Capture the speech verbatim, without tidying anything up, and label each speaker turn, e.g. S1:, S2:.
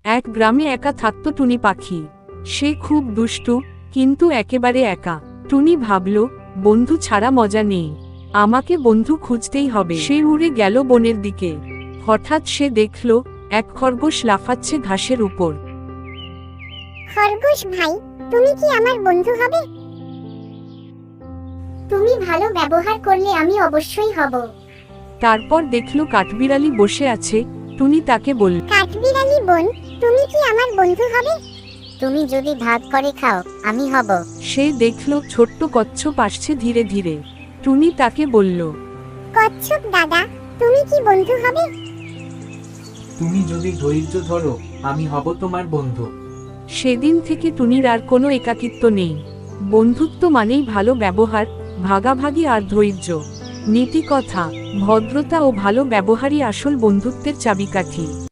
S1: এক গ্রামে একা থাকত টুনি পাখি। সে খুব দুষ্টু, কিন্তু একেবারে একা। টুনি ভাবল, বন্ধু ছাড়া মজা নেই, আমাকে বন্ধু খুঁজতেই হবে। সে উড়ে গেল বনের দিকে। হঠাৎ সে দেখল এক খরগোশ লাফাচ্ছে ঘাসের উপর।
S2: খরগোশ ভাই, তুমি কি আমার বন্ধু হবে? তুমি ভালো ব্যবহার করলে আমি অবশ্যই হব।
S1: তারপর দেখল কাঠবিড়ালি বসে আছে। টুনি তাকে বলল,
S2: কাঠবিড়ালি বোন, তুমি কি আমার বন্ধু হবে? তুমি যদি ভাগ করে খাও, আমি হব।
S1: সে দেখল ছোট্ট কচ্ছপ আসছে ধীরে ধীরে। টুনি তাকে বলল,
S2: কচ্ছপ দাদা, তুমি কি বন্ধু হবে?
S3: তুমি যদি ধৈর্য ধরো, আমি হব তোমার বন্ধু।
S1: সেদিন থেকে টুনির আর কোনো একাকিত্ব নেই। বন্ধুত্ব মানেই ভালো ব্যবহার, ভাগাভাগি আর ধৈর্য। নীতি কথা, ভদ্রতা ও ভালো ব্যবহারই আসল বন্ধুত্বের চাবিকাঠি।